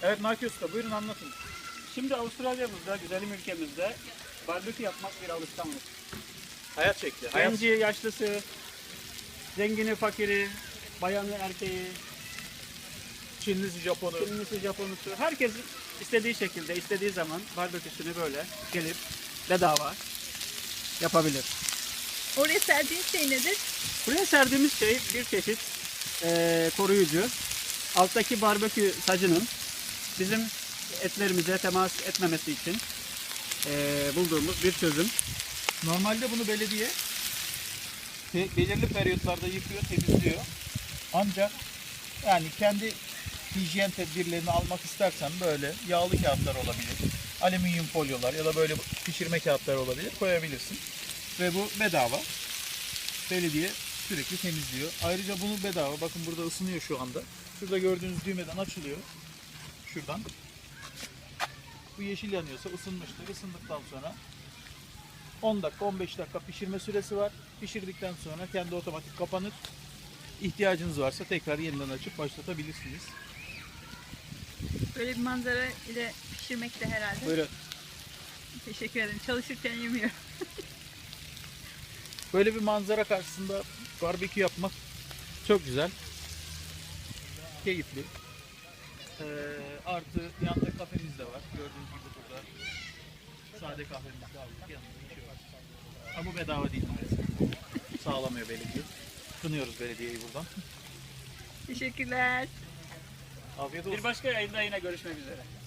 Evet Naki Usta, buyurun anlatın. Şimdi Avustralya'mızda, güzelim ülkemizde barbekü yapmak bir alışkanlık. Hayat şekli. Genci, yaşlısı, zengini, fakiri, bayanı, erkeği, Çinlisi, Japonu. Çinlisi, Japonusu, herkes istediği şekilde, istediği zaman barbeküsünü böyle gelip bedava yapabilir. Oraya serdiğin şey nedir? Buraya serdiğimiz şey bir çeşit koruyucu. Alttaki barbekü sacının bizim etlerimize temas etmemesi için bulduğumuz bir çözüm. Normalde bunu belediye belirli periyotlarda yıkıyor, temizliyor. Ancak yani kendi hijyen tedbirlerini almak istersen böyle yağlı kağıtlar olabilir, alüminyum folyolar ya da böyle pişirme kağıtları olabilir, koyabilirsin. Ve bu bedava. Belediye sürekli temizliyor. Ayrıca bunu bedava. Bakın burada ısınıyor şu anda. Şurada gördüğünüz düğmeden açılıyor. Şuradan. Bu yeşil yanıyorsa ısınmıştır. Isındıktan sonra 10 dakika 15 dakika pişirme süresi var. Pişirdikten sonra kendi otomatik kapanır. İhtiyacınız varsa tekrar yeniden açıp başlatabilirsiniz. Böyle bir manzara ile pişirmek de herhalde. Buyurun. Teşekkür ederim. Çalışırken yemiyorum. Böyle bir manzara karşısında barbekü yapmak çok güzel. Keyifli. Artı yanında kafemiz de var. Gördüğünüz gibi burada sade kahvemizi de aldık. Yanında bir şey var. Ama bu bedava değil maalesef. Sağlamıyor belediye. Kınıyoruz belediyeyi buradan. Teşekkürler. Afiyet olsun. Bir başka yayında yine görüşmek üzere.